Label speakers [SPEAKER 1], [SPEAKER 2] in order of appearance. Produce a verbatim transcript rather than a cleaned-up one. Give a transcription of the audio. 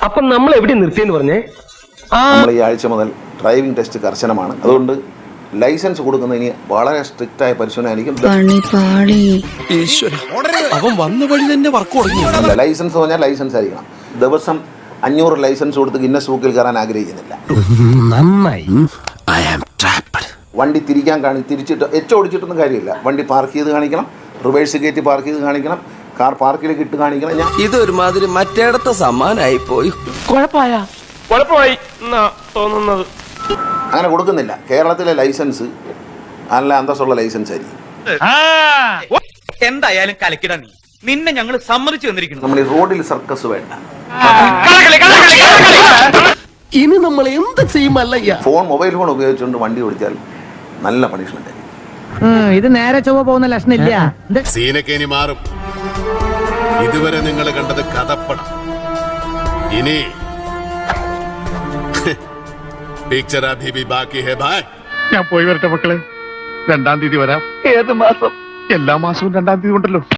[SPEAKER 1] അപ്പൊ നമ്മൾ എവിടെ നിർത്തിയെന്ന് പറഞ്ഞേ?
[SPEAKER 2] നമ്മൾ ഈ ആഴ്ച മുതൽ ഡ്രൈവിംഗ് ടെസ്റ്റ് കർശനമാണ്. അതുകൊണ്ട് ലൈസൻസ് കൊടുക്കുന്നതിന് വളരെ സ്ട്രിക്റ്റ് ആയ പരിശോധനയായിരിക്കും.
[SPEAKER 3] അവൻ വന്ന വഴി തന്നെ വർക്ക് തുടങ്ങി.
[SPEAKER 2] ലൈസൻസ് പറഞ്ഞാൽ ലൈസൻസ് ആയിരിക്കണം. ദിവസം അഞ്ഞൂറ് ലൈസൻസ് കൊടുത്ത് ഗിന്നസ് ബുക്കിൽ കയറാൻ ആഗ്രഹിക്കുന്നില്ല. വണ്ടി തിരിക്കാൻ കാണി തിരിച്ചിട്ട് എച്ച് ഓടിച്ചിട്ടൊന്നും കാര്യമില്ല. വണ്ടി പാർക്ക് ചെയ്ത് കാണിക്കണം, റിവേഴ്സ് കയറ്റി പാർക്ക് ചെയ്ത് കാണിക്കണം, കാർ പാർക്കിലേക്ക് ഇട്ട് കാണിക്കണം. ഞാൻ
[SPEAKER 3] ഇതൊരുമാതിരി മറ്റേടത്തെ സമ്മാനായി പോയി.
[SPEAKER 1] കുഴപ്പമായ കുഴപ്പമായി തോന്നുന്നത്
[SPEAKER 2] അങ്ങനെ കൊടുക്കുന്നില്ല. കേരളത്തിലെ ലൈസൻസ് നല്ല അന്തസ്സുള്ള ലൈസൻസ് ആയിരിക്കും.
[SPEAKER 4] എന്തായാലും കലക്കിട നീ നിന്നെ ഞങ്ങൾ സമ്മതിച്ചു തന്നിരിക്കുന്നു.
[SPEAKER 2] നമ്മൾ ഈ റോഡിൽ സർക്കസ് വേണ്ട.
[SPEAKER 3] ഇനി നമ്മൾ എന്ത് ചെയ്യുമല്ലയ്യ?
[SPEAKER 2] ഫോൺ മൊബൈൽ ഫോൺ ഉപയോഗിച്ചുകൊണ്ട് വണ്ടി ഓടിച്ചാൽ നല്ല പണിഷ്മെന്റ് ആയിരിക്കും.
[SPEAKER 5] ഇത് നേരെ ചൊവ്വ പോകുന്ന ലക്ഷണില്ല.
[SPEAKER 6] സീനൊക്കെ ഇനി മാറും. ഇതുവരെ നിങ്ങൾ കണ്ടത് കഥപ്പടം. ഇനി പിക്ചർ അഭി ഭി ബാക്കി ഹേ ഭായ്.
[SPEAKER 7] ഞാൻ പോയി വരട്ടെ മക്കളെ. രണ്ടാം തീയതി വരാം.
[SPEAKER 4] ഏത് മാസം?
[SPEAKER 7] എല്ലാ മാസവും രണ്ടാം തീയതി ഉണ്ടല്ലോ.